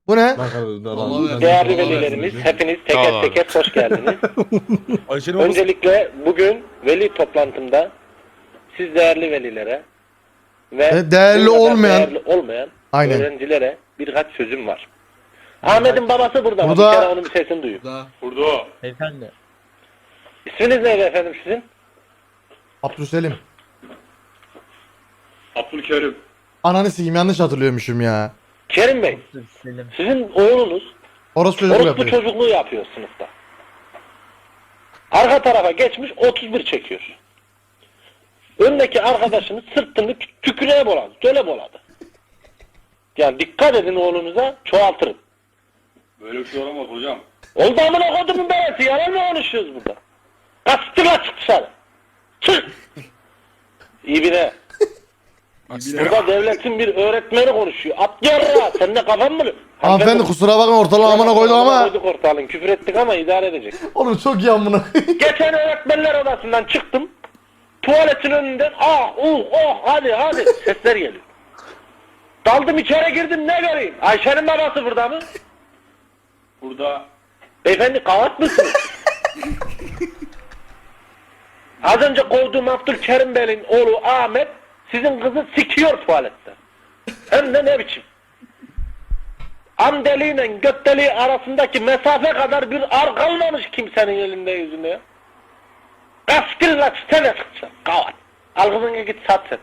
Bu ne? Allah versin. Değerli Allah velilerimiz, versin. hepiniz teker teker hoş geldiniz. Ayşe'nin babası. Öncelikle bugün veli toplantımda siz değerli velilere ve Değerli bu kadar olmayan- değerli olmayan Aynen. öğrencilere birkaç sözüm var. Ahmet'in babası burada ama Burada- bir kere onun bir sesini duyun. Burada o. Beyefendi. İsminiz neydi efendim sizin? Abdülselim. Abdülkerim. Ananı sikeyim, yanlış hatırlıyormuşum ya. Kerim Bey, Selim. sizin oğlunuz Orospu çocuk orospu yapıyor. çocukluğu yapıyor sınıfta. Arka tarafa geçmiş 31 çekiyor. Öndeki arkadaşını sırtını tükürüğe boladı, söyle boladı. Yani dikkat edin oğlunuza, çoğaltırın. Böyle bir şey olamaz hocam. Oldu amına kodumun belası, yalan mı konuşuyoruz burada? Kastıla çık dışarı. Çık! İyi bir ne? Burada devletin bir öğretmeni konuşuyor. Atlıyor ya, sen de kafan mı? Hanımefendi kusura bakma, ortalığı amına koyduk ama. Koyduk ortalığın, küfür ettik ama idare edecek. Oğlum çok iyi amına. Geçen öğretmenler odasından çıktım. Tuvaletin önünden hadi sesler geliyor. Daldım içeri girdim, ne göreyim? Ayşe'nin babası burada mı? Burada Beyefendi kavat mısınız? Az önce kovduğum Abdülkerim Bey'in oğlu Ahmet sizin kızı sikiyor tuvalette. Hem de ne biçim? Am deliğiyle göt deliği arasındaki mesafe kadar bir ar kalmamış kimsenin elinde yüzünde ya. Kaskilla çitene çıkacak kavat. Al kızını git sat sen.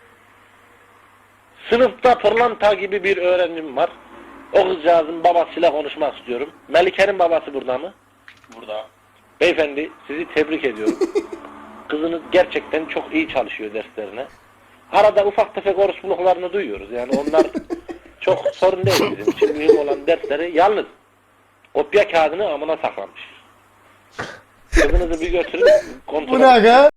Sınıfta pırlanta gibi bir öğrencim var. O kızcağızın babasıyla konuşmak istiyorum. Melike'nin babası burada mı? burada. Beyefendi sizi tebrik ediyorum. Kızınız gerçekten çok iyi çalışıyor derslerine. Arada ufak tefek orospuluklarını duyuyoruz. Yani onlar çok sorun değil bizim için. Mühim olan dersleri yalnız kopya kağıdını amına saklamış. Kızınızı bir götürün kontrol Bu ne aga?